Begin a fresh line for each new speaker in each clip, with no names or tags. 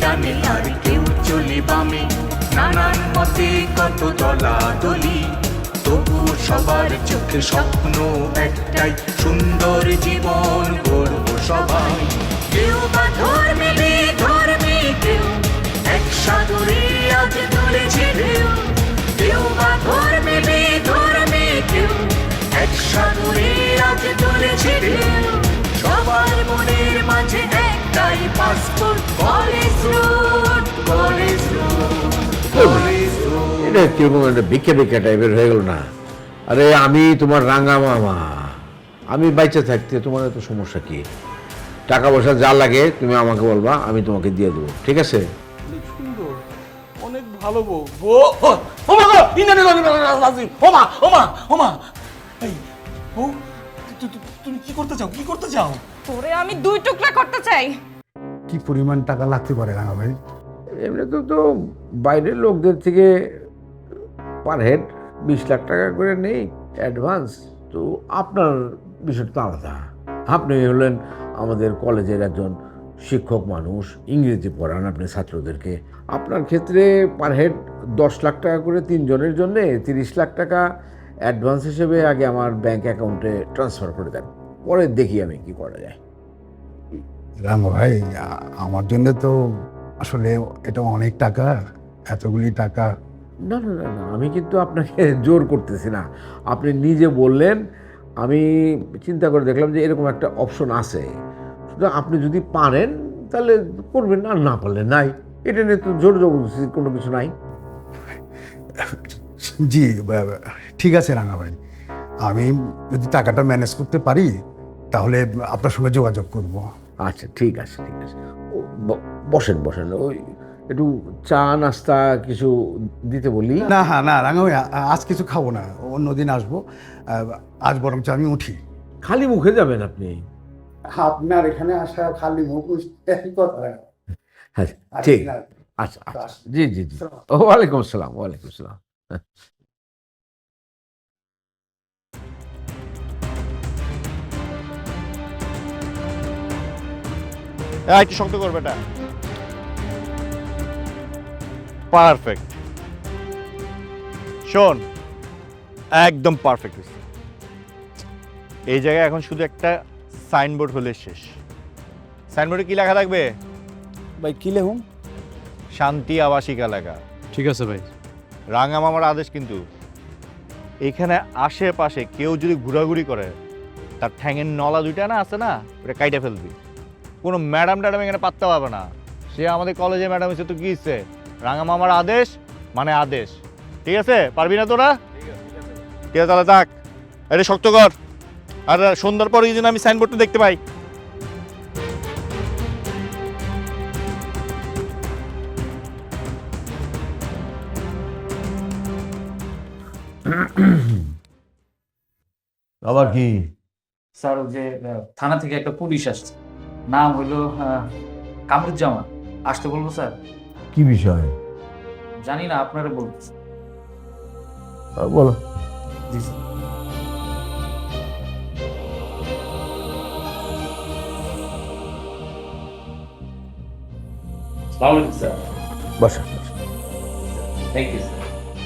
ডানে আর কেউ চলে বামে, নানান মতে কত দলাদলি, তবু সবার চোখে স্বপ্ন একটাই, সুন্দর জীবন গড়ব সবাই। কেউ বা ধর্মে বেধর্মে, কেউ এক সাগরে আজ তুলেছে ঢেউ, কেউ বা ধর্মে বেধর্মে, কেউ এক সাগরে আজ তুলেছে ঢেউ। সবার মনের মাঝে একটাই passport, college road, college road, college road.
এটা কিরকম একটা ভিক্ষে ভিক্ষা টাইপের হয়ে গেল না? আরে আমি তোমার রাঙা মামা, আমি বাইচে থাকতে তোমার এত সমস্যা কি? টাকা পয়সা যা লাগে তুমি আমাকে বলবা, আমি তোমাকে দিয়ে দেবো, ঠিক আছে?
অনেক সুন্দর, অনেক ভালো বউ। ওমা গো, ওমা ওমা ওমা। এই বউ, তুমি কি করতে চাও, কি করতে চাও?
তোরে আমি 2 টুকরা করতে চাই।
কি পরিমাণ টাকা লাগতে পারে রাঙা ভাই?
এমনি তো বাইরের লোকদের থেকে পার হেড 20 লাখ টাকা করে নেই অ্যাডভান্স। তো আপনার বিষয়টা তো আলাদা। আপনি হলেন আমাদের কলেজের একজন শিক্ষক মানুষ, ইংরেজি পড়ান আপনি ছাত্রদেরকে। আপনার ক্ষেত্রে পার হেড 10 লাখ টাকা করে 3 জনের জন্য 30 লাখ টাকা অ্যাডভান্স হিসেবে আগে আমার ব্যাংক অ্যাকাউন্টে ট্রান্সফার করে দেন, পরে দেখি আমি কি করা যায়।
রাঙা ভাই, আমার জন্য তো আসলে এটা অনেক টাকা, এতগুলি টাকা।
না না না না, আমি কিন্তু আপনাকে জোর করতেছি না। আপনি নিজে বললেন, আমি চিন্তা করে দেখলাম যে এরকম একটা অপশন আছে। সুতরাং আপনি যদি পারেন তাহলে করবেন, আর না পারলে নাই। এটা নিয়ে তো জোর জবরদস্তির কোনো কিছু নাই।
জি ঠিক আছে রাঙা ভাই, আমি যদি টাকাটা ম্যানেজ করতে পারি তাহলে আপনার সঙ্গে যোগাযোগ করব।
আচ্ছা ঠিক আছে ঠিক আছে, বসেন বসেন, ওই একটু চা নাস্তা কিছু দিতে বলি।
না হ্যাঁ না রাঙা ভাই, আজ কিছু খাবো না, অন্যদিন আসবো। আজ বরঞ্চ আমি উঠি।
খালি মুখে যাবেন আপনি?
আপনার এখানে আসা খালি মুখ কথা।
হ্যাঁ ঠিক, আচ্ছা আচ্ছা, জি জি জি, ওয়ালাইকুম আসসালাম, ওয়ালাইকুম আসসালাম।
একটু শক্ত করবে এটা। পারফেক্ট। শোন, একদম পারফেক্ট। এই জায়গায় এখন শুধু একটা সাইনবোর্ড হলে শেষ। সাইনবোর্ডে কি লেখা থাকবে?
ভাই কি লেখুন?
শান্তি আবাসিক এলাকা।
ঠিক আছে ভাই।
রাঙা মামার আদেশ কিন্তু, এখানে আশেপাশে কেউ যদি ঘোরাঘুরি করে, তার ঠ্যাঙের নলা দুইটা না আছে না, ওটা কাইটা ফেলবি। কোনো ম্যাডাম ট্যাডাম এখানে পাত্তা পাবে না। সে আমাদের কলেজে ম্যাডাম এসে তো কি ইচ্ছে, রাঙা মামার আদেশ মানে আদেশ। ঠিক আছে? পারবি না তোরা? ঠিক আছে তাহলে থাক, এটা শক্ত কর। আর সন্ধ্যার পরে যেন আমি সাইনবোর্ডটা দেখতে পাই।
আবার কি?
স্যার, ওই যে থানা থেকে একটা পুলিশ আসছে, নাম হইলো কামরুজ্জামান। আসতে বলবো স্যার?
কি বিষয়?
জানি না, আপনারা বলবো।
বলো।
জি স্যার। আসসালামু আলাইকুম স্যার।
বসো।
Thank you sir.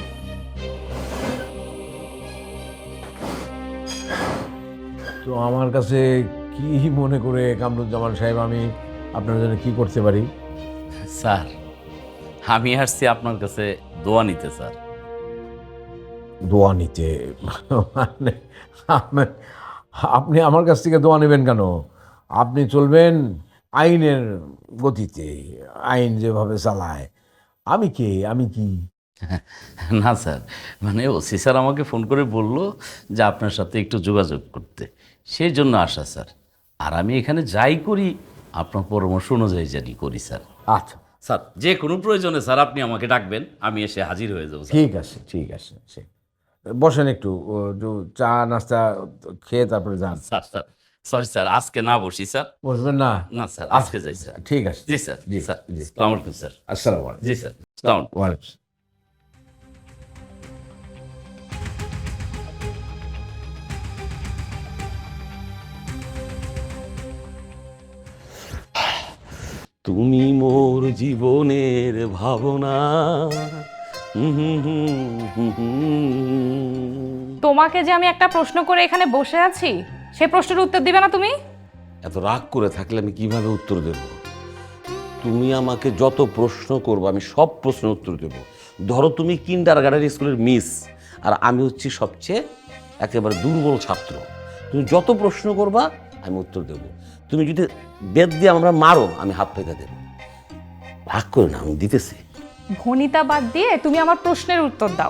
তো আমার কাছে কি মনে করে কামরুজ্জামান সাহেব, আমি আপনার জন্য কি করতে পারি?
স্যার, আমি আসছি আপনার কাছে দোয়া নিতে স্যার।
দোয়া নিতে? মানে আপনি আমার কাছ থেকে দোয়া নেবেন কেন? আপনি চলবেন আইনের গতিতে, আইন যেভাবে চালায়। আমি কে, আমি কি?
না স্যার, মানে ওসি স্যার আমাকে ফোন করে বলল যে আপনার সাথে একটু যোগাযোগ করতে, সেই জন্য আসা স্যার। আর আমি এখানে যাই করি আপনার পরামর্শ অনুযায়ী জানি করি স্যার।
আচ্ছা
স্যার, যে কোনো প্রয়োজনে স্যার আপনি আমাকে ডাকবেন, আমি এসে হাজির হয়ে যাবো।
ঠিক আছে ঠিক আছে, বসেন একটু, চা নাস্তা খেয়ে তারপরে যান।
স্যার স্যার, সরি স্যার, আজকে না বসি স্যার।
বসবেন না?
না স্যার, আজকে যাই স্যার।
ঠিক আছে।
জি স্যার,
জি
স্যার,
জি,
আসসালামু আলাইকুম স্যার।
আসসালামু আলাইকুম।
জি স্যার, আসসালামু আলাইকুম।
ওয়ালাইকুম।
তুমি মোর জীবনের ভাবনা।
তোমাকে যে আমি একটা প্রশ্ন করে এখানে বসে আছি সে প্রশ্নের উত্তর দিবে না তুমি?
এত রাগ করে থাকলে আমি কিভাবে উত্তর দেব? তুমি আমাকে যত প্রশ্ন করবো আমি সব প্রশ্নের উত্তর দেব। ধরো তুমি কিন্ডারগার্টেন স্কুলের মিস, আর আমি হচ্ছি সবচেয়ে একেবারে দুর্বল ছাত্র। তুমি যত প্রশ্ন করবা আমি উত্তর দেব। তুমি যদি বেদ দিয়ে আমরা মারো আমি হাত পেতে দেব। রাগ করে না, আমি দিতেছি।
ভনিতা বাদ দিয়ে তুমি আমার প্রশ্নের উত্তর দাও।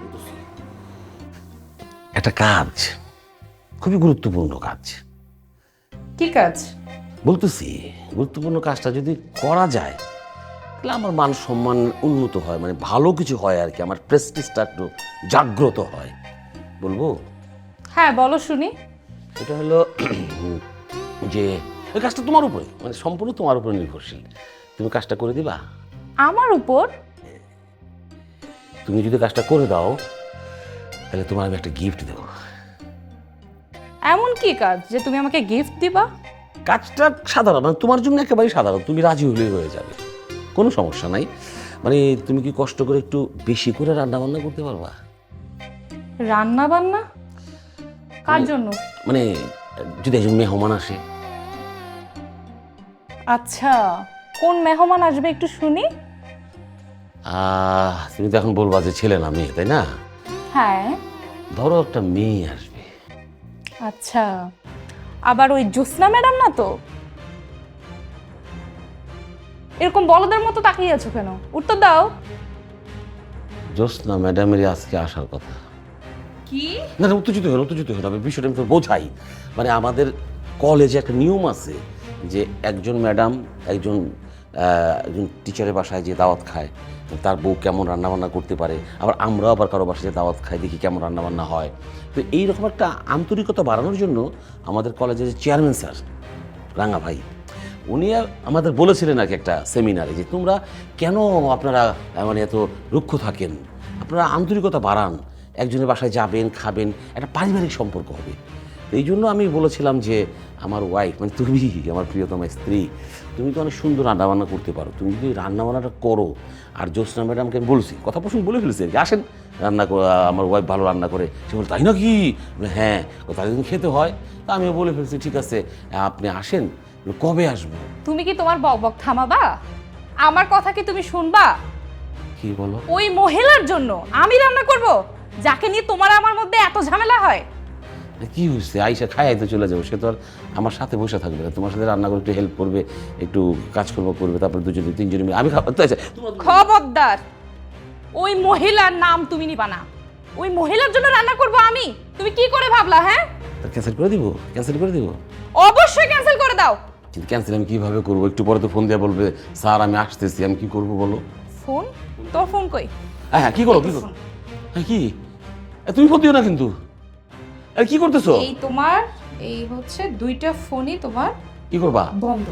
একটা কাজ, খুবই গুরুত্বপূর্ণ কাজ
কি কাজ?
বলতেছি। গুরুত্বপূর্ণ কাজটা যদি করা যায় তাহলে আমার মান সম্মান উন্নত হয়, মানে ভালো কিছু হয় আর কি, আমার প্রেস্টিজটা একটু জাগ্রত হয়। বলবো?
হ্যাঁ বলো শুনি।
এটা হলো যে ওই কাজটা তোমার উপরে, মানে সম্পূর্ণ তোমার উপরে নির্ভরশীল। তুমি কাজটা করে দিবা?
আমার উপর?
তুমি যদি কাজটা করে দাও তাহলে তোমার আমি একটা গিফট দেবো।
এমন কি কাজ যে তুমি আমাকে গিফট দিবা?
কাজটা সাধারণ, মানে তোমার জন্য একেবারেই সাধারণ, তুমি রাজি হলেই হয়ে যাবে, কোনো সমস্যা নাই। মানে তুমি কি কষ্ট করে একটু বেশি করে রান্না বান্না করতে পারবা?
রান্না বান্না? কার জন্য?
মানে যদি একজন মেহমান আসে।
আচ্ছা, কোন মেহমান আসবে একটু শুনি।
তুমি তো এখন বলবা যে ছেলে না মেয়ে, তাই না?
হ্যাঁ।
ধরো একটা মেয়ে আসবে।
আচ্ছা, আবার ওই জ্যোৎস্না ম্যাডাম না তো? এরকম বলদের মতো তাকিয়ে আছো কেন? উত্তর দাও।
জ্যোৎস্না ম্যাডামেরই আজকে আসার কথা।
কি?
না না, উত্তেজিত হয়ে হবে, বিষয়টা আমি তো বোঝাই। মানে আমাদের কলেজে একটা নিয়ম আছে যে একজন ম্যাডাম একজন টিচারের বাসায় যে দাওয়াত খায়, তার বউ কেমন রান্নাবান্না করতে পারে, আবার আমরাও আবার কারো বাসায় যে দাওয়াত খাই দেখি কেমন রান্নাবান্না হয়। তো এইরকম একটা আন্তরিকতা বাড়ানোর জন্য আমাদের কলেজের যে চেয়ারম্যান স্যার রাঙা ভাই, উনি আমাদের বলেছিলেন আর কি একটা সেমিনারে যে তোমরা কেন আপনারা মানে এত রুক্ষ থাকেন, আপনারা আন্তরিকতা বাড়ান, একজনের বাসায় যাবেন, খাবেন, একটা পারিবারিক সম্পর্ক হবে। এই জন্য আমি বলেছিলাম যে আমার ওয়াইফ, মানে তুমি আমার প্রিয়তম স্ত্রী, তুমি তো অনেক সুন্দর রান্নাবান্না করতে পারো, তুমি যদি রান্নাবান্নাটা করো। আর জ্যোৎস্না ম্যাডামকে আমি বলছি, কথা প্রসঙ্গ বলে ফেলেছি আর কি, আসেন রান্না আমার ওয়াইফ ভালো রান্না করে। সে বলে তাই নাকি? হ্যাঁ, তাহলে যদি খেতে হয়। তা আমিও বলে ফেলছি ঠিক আছে আপনি আসেন। কবে আসবো?
তুমি কি তোমার বকবক থামাবা? আমার কথা কি তুমি শুনবা?
কি বলো?
ওই মহিলার জন্য আমি রান্না করব, যাকে নিয়ে তোমার আমার মধ্যে এত ঝামেলা হয়?
কি হয়েছে? আইসা খাই তো চলে যাবো, সে তো আর আমার সাথে বসে থাকবে না, তোমার সাথে রান্না করে একটু হেল্প করবে, একটু কাজকর্ম করবে, তারপরে দুজনে তিনজনে মিলে আমি
খবরদার, ওই মহিলার নাম তুমি নিবা না। ওই মহিলার জন্য রান্না করব আমি? তুমি কি করে ভাবলা? হ্যাঁ,
ক্যান্সেল করে দিব, ক্যান্সেল করে দিব।
অবশ্যই ক্যান্সেল করে দাও।
কিন্তু ক্যান্সেল আমি কিভাবে করবো? একটু পরে তো ফোন দিয়ে বলবে স্যার আমি আসতেছি, আমি কি করবো বলো?
ফোন? তোর ফোন কই?
হ্যাঁ হ্যাঁ, কি করো কি করো? হ্যাঁ কি? তুমি ফোন দিও না কিন্তু। আরে কি করতেছো?
এই তোমার এই হচ্ছে দুইটা ফোনই তোমার
কি করবা?
বন্ধ।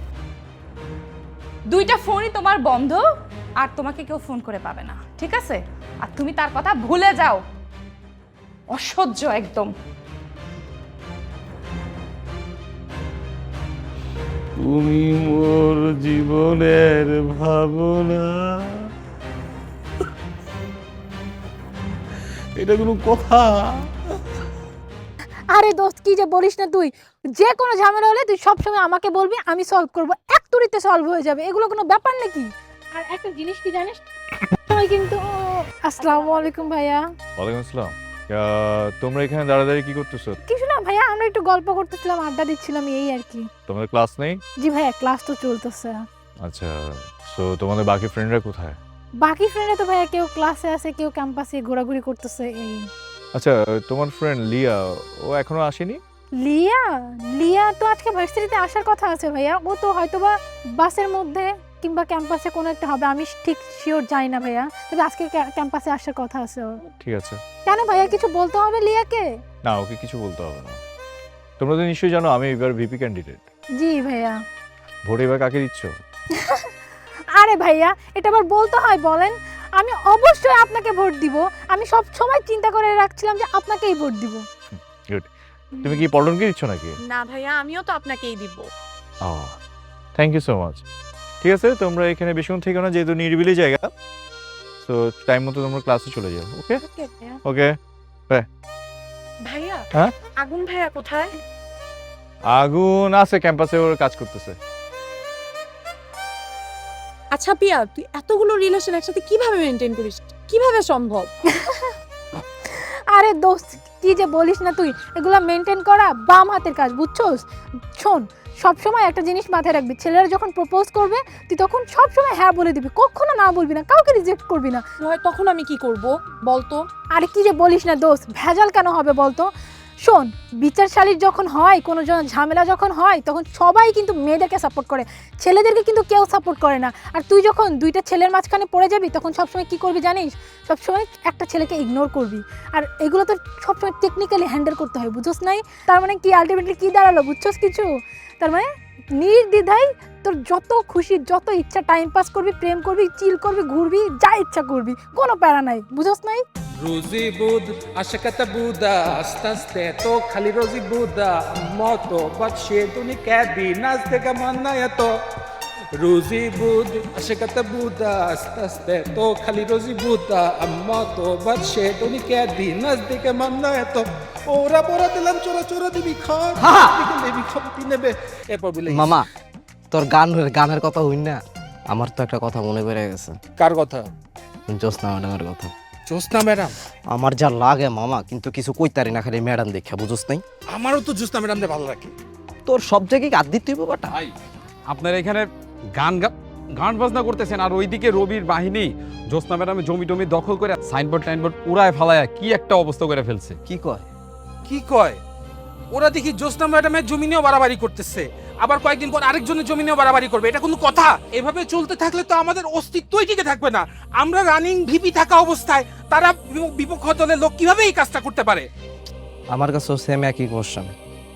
দুইটা ফোনই তোমার বন্ধ, আর তোমাকে কেউ ফোন করে পাবে না, ঠিক আছে? আর তুমি তার কথা ভুলে যাও। অসহ্য একদম।
তুমি মোর জীবনের ভাবনা। এটা কোনো কথা?
আরে দোস্ত, কি যে বলিস না তুই, যে কোনো ঝামেলা হলে তুই সবসময় আমাকে বলবি, আমি সলভ করব, এক তুড়িতে সলভ হয়ে যাবে, এগুলো কোনো ব্যাপার নাকি? আর একটা জিনিস কি জানিস, আমি কিন্তু আসসালামু আলাইকুম ভাইয়া।
ওয়ালাইকুম আসসালাম। তোমরা এখানে দাঁড়াদাঁড়ি কি করতেছো?
কিছু না ভাইয়া, আমরা একটু গল্প করতেছিলাম, আড্ডা দিচ্ছিলাম, এই আর কি।
তোমাদের ক্লাস নেই?
জি ভাইয়া, ক্লাস তো চলতেছে।
আচ্ছা, সো তোমাদের বাকি ফ্রেন্ডরা কোথায়?
বাকি ফ্রেন্ডরা তো ভাইয়া কেউ ক্লাসে আছে, কেউ ক্যাম্পাসে ঘোরাঘুরি করতেছে এই।
আচ্ছা, তোমার ফ্রেন্ড লিয়া ও এখনো আসেনি?
লিয়া? লিয়া তো আজকে ভার্সিটিতে আসার কথা আছে ভাইয়া, ও তো হয়তোবা বাসের মধ্যে কিংবা ক্যাম্পাসে কোনো একটা হবে, আমি ঠিক শিওর জানি না ভাইয়া, তবে আজকে ক্যাম্পাসে আসার কথা আছে ওর।
ঠিক আছে।
কেন ভাইয়া, কিছু বলতে হবে লিয়াকে?
না, ওকে কিছু বলতে হবে না। তোমরা তো নিশ্চয়ই জানো আমি এবার ভিপি ক্যান্ডিডেট।
জি ভাইয়া।
ভোট এবার কাকে দিচ্ছ?
আরে ভাইয়া, এটা আবার বলতে হয় বলেন? আমি অবশ্যই আপনাকে ভোট দিব, আমি সব সময় চিন্তা করে রাখছিলাম যে আপনাকেই ভোট দিব।
গুড। তুমি কি পল্টনকে দিচ্ছ নাকি?
না ভাইয়া, আমিও তো আপনাকেই দিব।
ও, থ্যাংক ইউ সো মাচ। ঠিক আছে, তোমরা এখানে বেশিক্ষণ থেকো না, যেহেতু নিরিবিলি জায়গা। তো টাইম মতো তোমরা ক্লাসে চলে যাও। ওকে ওকে।
ভাইয়া
হ্যাঁ?
আগুন ভাইয়া কোথায়?
আগুন আছে ক্যাম্পাসে, ওর কাজ করতেছে।
আচ্ছা পিয়া, তুই এতগুলো রিলেশন একসাথে কিভাবে মেনটেন করিস? কিভাবে সম্ভব?
আরে দোস্ত কি যে বলিস না তুই, এগুলা মেনটেন করা বাম হাতের কাজ, বুঝছস? শোন, সবসময় একটা জিনিস মাথায় রাখবি, ছেলেরা যখন প্রপোজ করবে তুই তখন সবসময় হ্যাঁ বলে দিবি, কখনো না বলবি না, কাউকে রিজেক্ট করবি না।
হয় তখন আমি কি করব বলতো?
আরে কি যে বলিস না দোস্ত, ভেজাল কেন হবে বলতো? শোন, বিচারশালীর যখন হয়, কোনো ঝামেলা যখন হয়, তখন সবাই কিন্তু মেয়েদেরকে সাপোর্ট করে, ছেলেদেরকে কিন্তু কেউ সাপোর্ট করে না। আর তুই যখন দুইটা ছেলের মাঝখানে পড়ে যাবি, তখন সবসময় কি করবি জানিস? সবসময় একটা ছেলেকে ইগনোর করবি। আর এগুলো তো সবসময় টেকনিক্যালি হ্যান্ডেল করতে হয়, বুঝোস নাই? তার মানে কি আলটিমেটলি কি দাঁড়ালো, বুঝছস কিছু? তার মানে নির্দ্বিধায় তোর যত খুশি, যত ইচ্ছা টাইম পাস করবি, প্রেম করবি, চিল করবি, ঘুরবি, যা ইচ্ছা করবি, কোনো প্যারা নাই, বুঝোস নাই?
রোজি বুদ আশকাতা বুদা আস্তে আস্তে তো খালি রোজি বুদা মতো বাদশে তুমি ক্যাদি নাচ থেকে মান্না এত রোজি বুদ আশকাতা বুদা আস্তে আস্তে তো খালি রোজি বুদা মতো বাদশে তুমি ক্যাদি নাচ থেকে মান্না এত ওরা পরা দিলাম চোরা চোরা দিবি খর দিবি খপতি নেবে এরপর বলে
মামা তোর গানের কথা হইন না, আমার তো একটা কথা মনে পড়ে গেছে।
কার কথা?
জ্যোৎস্না ম্যাডামের কথা।
জ্যোৎস্না ম্যাডাম?
আমার যা লাগে মামা, কিন্তু কিছু কইতারি না, খালি ম্যাডাম দেখা, বুঝোস নাই?
আমারও তো জ্যোৎস্না ম্যাডামকে ভালো লাগে।
তোর সব জায়গায় গাদ দিতে হইব বাটা।
আপনার এখানে গান বাজনা করতেছেন, আর ওইদিকে রবির বাহিনী জ্যোৎস্না ম্যাডামের জমি টমি দখল করে সাইনবোর্ড টাইনবোর্ড উড়ায় ফালায় কি একটা অবস্থা করে ফেলছে।
কি কয়?
কি কয়? ওরা দেখি জ্যোৎস্না ম্যাডামের জমি নিয়েও বাড়াবাড়ি করতেছে, আবার কয়েকদিন পর আরেকজনের জমি নিয়েও বাড়াবাড়ি করবে। এটা কোনো কথা? এভাবে চলতে থাকলে তো আমাদের অস্তিত্বই টিকে থাকবে না। আমরা রানিং ভিপি থাকা অবস্থায় তারা বিপক্ষ দলের লোক কিভাবে এই কাজটা করতে পারে?
আমার কাছেও সেম একই কোশ্চেন।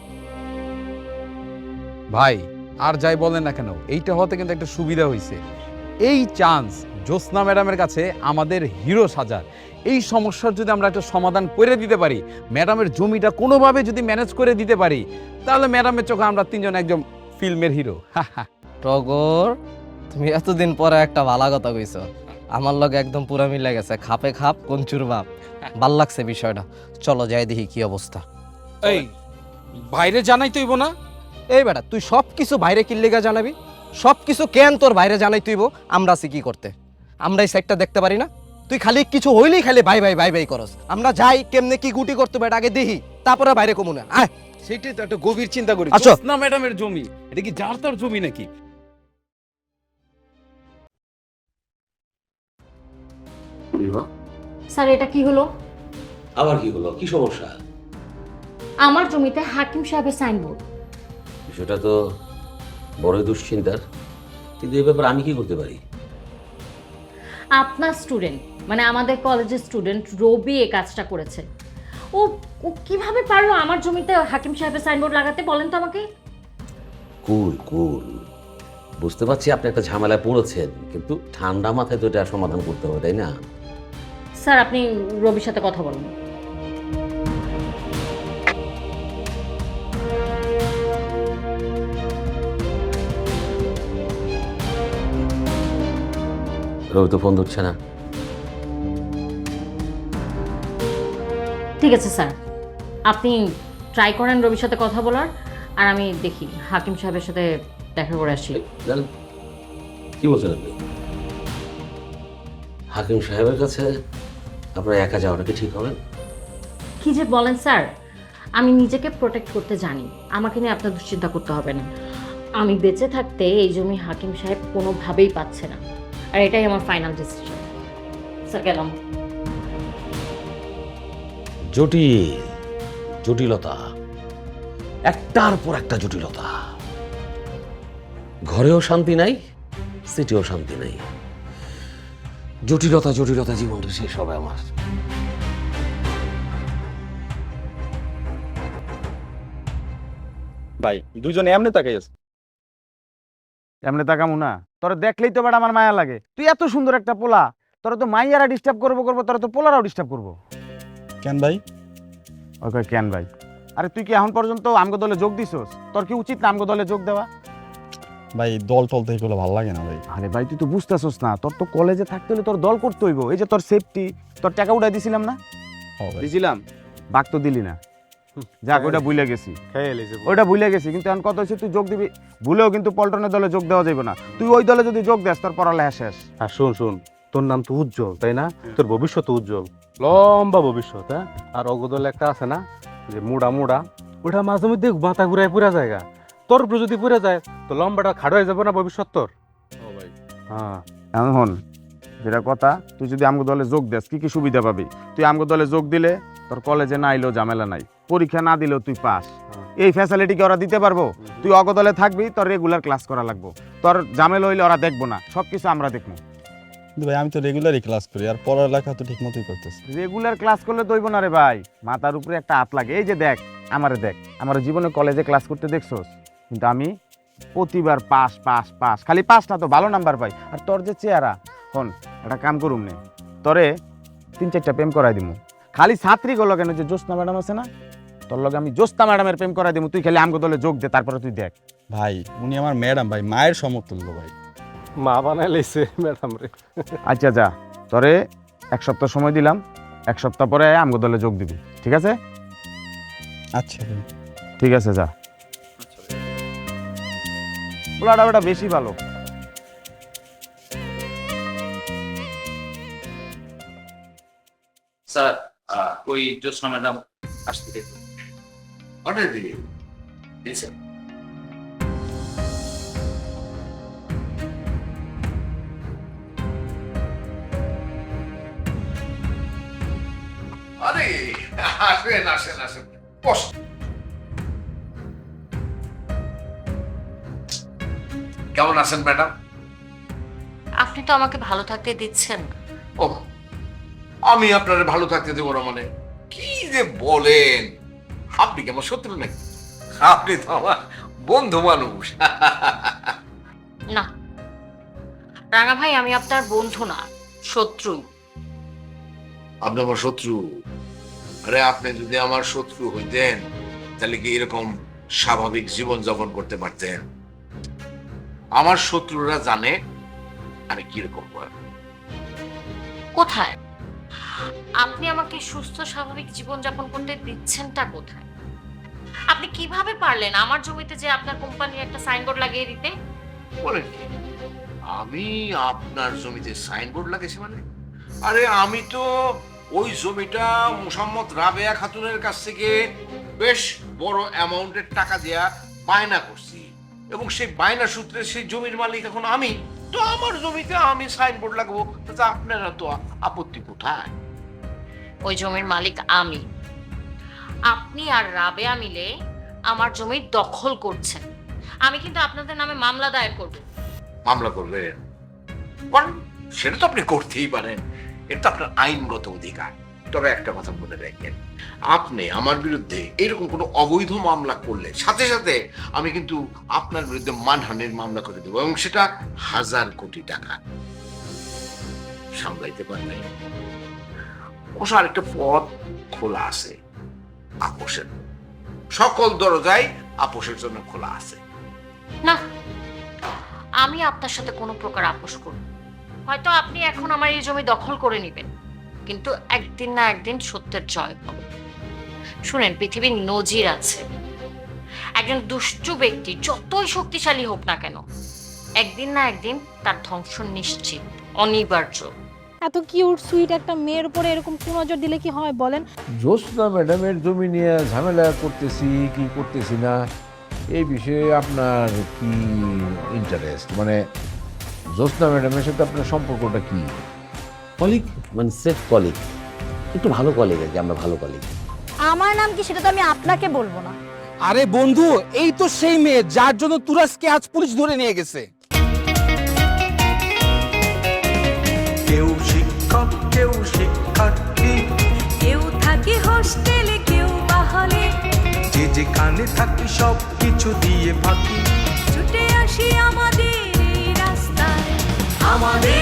ভাই আর যাই বলেন না কেন, এইটা হতে কিন্তু একটা সুবিধা হয়েছে। এই চান্স জ্যোৎস্না ম্যাডামের কাছে আমাদের হিরো সাজার। এই সমস্যার যদি আমরা একটা সমাধান করে দিতে পারি, ম্যাডামের জমিটা কোনোভাবে যদি ম্যানেজ করে দিতে পারি, তাহলে ম্যাডামের চোখে আমরা তিনজন একজন ফিল্মের হিরো।
টগর, তুমি এতদিন পরে একটা ভালো কথা কইছ, আমার লগে একদম পুরা মিলে গেছে, খাপে খাপ কঞ্চুর বাপ। ভাল লাগছে বিষয়টা, চলো যাই দেখি কি অবস্থা।
এই বাইরে জানাই তৈব না?
এই বেটা, তুই সব কিছু বাইরে কি লেগা জানাবি? সব কিছু কেন তোর বাইরে জানাই তুইব? আমরা আছি কি করতে? আমরা এই সাইডটা দেখতে পারি না? তুই খালি কিছু হইলেই খালি বাই বাই বাই বাই করস। আমরা যাই কেমনে কি গুটি করতে বেটা আগে দেখি, তারপরে বাইরে কমু না। আয়,
সেটাই তো একটা গভীর চিন্তা করি।
আচ্ছা।
জ্যোৎস্না ম্যাডামের জমি, এটা কি যার তার জমি নাকি?
স্যার এটা কি হলো?
আবার কি হলো? কি সমস্যা?
আমার জমিতে হাকিম সাহেবের সাইনবোর্ড।
বিষয়টা তো বড়ই দুশ্চিন্তার, কিন্তু এই ব্যাপারে আমি কি করতে পারি?
আপনার স্টুডেন্ট, মানে আমাদের কলেজের স্টুডেন্ট রবি এই কাজটা করেছে। ও ও কিভাবে পারলো আমার জমিতে হাকিম সাহেবের সাইনবোর্ড লাগাতে, বলেন তো আমাকে?
কুল কুল, বুঝতে পারছি আপনি একটা ঝামেলায় পড়েছেন, কিন্তু ঠান্ডা মাথায় তো এটা সমাধান করতে হবে, তাই না?
স্যার আপনি রবির সাথে কথা বলুন।
রবি তো ফোন ধরছে না।
ঠিক আছে স্যার, আপনি ট্রাই করেন রবির সাথে কথা বলার, আর আমি দেখি হাকিম সাহেবের সাথে দেখা করে আসি।
জানেন কি বলছেন আপনি? হাকিম সাহেবের কাছে আপনার একা যাওয়াটা কি ঠিক হবে?
কি যে বলেন স্যার, আমি নিজেকে প্রোটেক্ট করতে জানি, আমাকে নিয়ে আপনার দুশ্চিন্তা করতে হবে না। আমি বেঁচে থাকতে এই জমি হাকিম সাহেব কোনোভাবেই পাচ্ছে না, আর এটাই আমার ফাইনাল ডিসিশন। স্যার গেলাম।
জটিলতা, একটার পর একটা জটিলতা। ঘরেও শান্তি নাই, সিটিও শান্তি নাই। জটিলতা জীবনটা শেষ হবে আমার।
ভাই দুজনে এমনি তাকাই আছে। এমনি তাকামু না? তোরা দেখলেই তো বেটা আমার মায়া লাগে। তুই এত সুন্দর একটা পোলা, তোরা তো মাইয়ারা ডিস্টার্ব করবো, তোরা তো পোলারাও ডিস্টার্ব করবো।
কেন ভাই?
ওকে কেন ভাই? আরে তুই কি এখন পর্যন্ত আমগো দলে যোগ দিছস? তোর কি উচিত না আমগো দলে যোগ দেওয়া?
ভাই দল টল তো এগুলো ভালো লাগে না ভাই।
আরে ভাই তুই তো বুঝতেছস না, তোর তো কলেজে থাকতে হলে তোর দল করতে হইব। এই যে তোর সেফটি, তোর টাকা উঠাই দিছিলাম না? দিছিলাম, বাক তো দিলি না। যাক, ওইটা ভুলে গেছি, ওইটা ভুলে গেছি। কিন্তু এখন কত হয়েছে, তুই যোগ দিবি, ভুলেও কিন্তু পল্টনের দলে যোগ দেওয়া যাবে না। তুই ওই দলে যদি যোগ দেস তোর পড়ালেখা শেষ।
আর শোন, তোর নাম তো উজ্জ্বল, তাই না? তোর ভবিষ্যৎ উজ্জ্বল, লম্বা ভবিষ্যৎ। হ্যাঁ, আর অগদল একটা আছে না যে মুড়া ওটা মাঝে মধ্যে মাথা ঘুরায় পুরা জায়গা। তোর উপরে যদি পুরে যায় তো লম্বাটা খাড়ো হয়ে যাবে না ভবিষ্যৎ তোর? হ্যাঁ,
এখন যেটা কথা, তুই যদি আমগো দলে যোগ দেস কি কি সুবিধা পাবি? তুই আমগো দলে যোগ দিলে তোর কলেজে না আইলেও ঝামেলা নাই, পরীক্ষা না দিলেও তুই পাস। এই ফ্যাসিলিটি কি ওরা দিতে পারবো? তুই অগদলে থাকবি, তোর রেগুলার ক্লাস করা লাগবো, তোর ঝামেলা হইলে ওরা দেখবো না, সবকিছু আমরা দেখবো।
কিন্তু ভাই আমি তো রেগুলারই ক্লাস করি, আর পড়ালেখা তো ঠিক মতোই করতেছি।
রেগুলার ক্লাস করলে তো হইব না রে ভাই, মাথার উপরে একটা হাত লাগে। এই যে দেখ, আমার জীবনে কলেজে ক্লাস করতে দেখছোস, কিন্তু আমি প্রতিবার পাস পাস পাস, খালি পাস না তো ভালো নাম্বার পাই। আর তোর যে চেহারা, হন একটা কাম করুম নে, তোরে 3-4টা প্রেম করাই দিমু। খালি ছাত্রী গুলো কেন, যে জ্যোৎস্না ম্যাডাম আছে না, তোর লগে আমি জ্যোৎস্না ম্যাডামের প্রেম করাই দিমু। তুই খালি আমগো দলে যোগ দে, তারপরে তুই দেখ।
ভাই উনি আমার ম্যাডাম ভাই, মায়ের সমতুল্য ভাই।
মা বানাই লাইছে ম্যাডাম রে।
আচ্ছা যা, তোরে 1 সপ্তাহ সময় দিলাম, 1 সপ্তাহ পরে আমগো দলে যোগ দিবি, ঠিক আছে?
আচ্ছা ভাই,
ঠিক আছে, যা। পোলাটা বেটা বেশি ভালো।
স্যার, ওই জ্যোৎস্না ম্যাডাম আসতে দেখুন। স্যার,
আরে আসেন আসেন আসেন, বস। কেমন আছেন ম্যাডাম?
আপনি তো আমাকে ভালো থাকতে দিচ্ছেন।
ও, আমি আপনারে ভালো থাকতে দেবো না মানে? কি যে বলেন, আপনি কি আমার শত্রু নাকি? আপনি তো আমার বন্ধু মানুষ।
না রাঙা ভাই, আমি আপনার বন্ধু না, শত্রু।
আপনি আমার শত্রু? আরে আপনি যদি আমার শত্রু হইতেন তাহলে কি এরকম স্বাভাবিক জীবন যাপন করতে পারতেন? আমার শত্রুরা জানে আমি কিরকম।
কোথায়? আপনি আমাকে সুস্থ স্বাভাবিক জীবন যাপন করতে দিচ্ছেনটা কোথায়? আপনি কিভাবে পারলেন আমার জমিতে যে আপনার কোম্পানির একটা সাইনবোর্ড লাগিয়ে দিতে?
বলেন কি, আমি আপনার জমিতে সাইনবোর্ড লাগিয়েছি মানে? আরে আমি তো ওই জমিটা মোসাম্মদ রাবেয়া খাতুনের কাছ থেকে বেশ বড় অ্যামাউন্টের টাকা দেয়া বায়না করছি, এবং সেই বায়না সূত্রে সেই জমির মালিক এখন আমি। তো আমার জমিতে আমি সাইনবোর্ড লাগাবো, তাতে আপনারা তো আপত্তি কোথায়?
ওই জমির মালিক আমি। আপনি আর রাবেয়া মিলে আমার জমি দখল করছেন। আমি কিন্তু আপনাদের নামে মামলা দায়ের করব।
মামলা করবেন? সেটা তো আপনি করতেই পারেন, এটা তো আপনার আইনগত অধিকার। তবে একটা কথা মনে রাখবেন, আপনি আমার বিরুদ্ধে এরকম কোনো অবৈধ মামলা করলে সাথে সাথে আমি কিন্তু আপনার বিরুদ্ধে মানহানির মামলা করে দেবো, এবং সেটা 1000 কোটি টাকা। সামলাইতে পারবেন? অবশ্য আরেকটা পথ খোলা আছে, আপোষের। সকল দরজাই আপোষের জন্য খোলা আছে।
না, আমি আপনার সাথে কোনো প্রকার আপোষ করব। হয়তো আপনি এখন আমার এই জমি দখল করে নেবেন, কিন্তু একদিন না একদিন সত্যের জয় হবে। শুনেন, পৃথিবীর নজির আছে, একজন দুষ্টু ব্যক্তি যতই শক্তিশালী হোক না কেন, একদিন না একদিন তার ধ্বংস নিশ্চিত, অনিবার্য।
এত কিউট সুইট একটা মেয়ের উপরে এরকম কুনজর দিলে কি হয় বলেন?
জ্যোৎস্না ম্যাডামের জমি নিয়ে ঝামেলা করতেছি কি করতেছি না, এই বিষয়ে আপনার কি ইন্টারেস্ট? মানে জ্যোৎস্না ম্যাডামের সাথে আপনার সম্পর্কটা কি?
কলিগ, মানে সেফ কলিগ, একটু ভালো কলিগ আর কি, আমরা ভালো কলিগ।
আমার নাম কি সেটা তো আমি আপনাকে বলবো না।
আরে বন্ধু, এই তো সেই মেয়ে যার জন্য তুরাজকে আজ পুলিশ ধরে নিয়ে গেছে।
কেউ শিক্ষক, কেউ শিক্ষার্থী,
কেউ থাকে হোস্টেলে, কেউ বা হলে।
যে যেখানে থাকি সব কিছু দিয়ে ফাঁকি
ছুটে আসি আমাদের এই রাস্তায়, আমাদের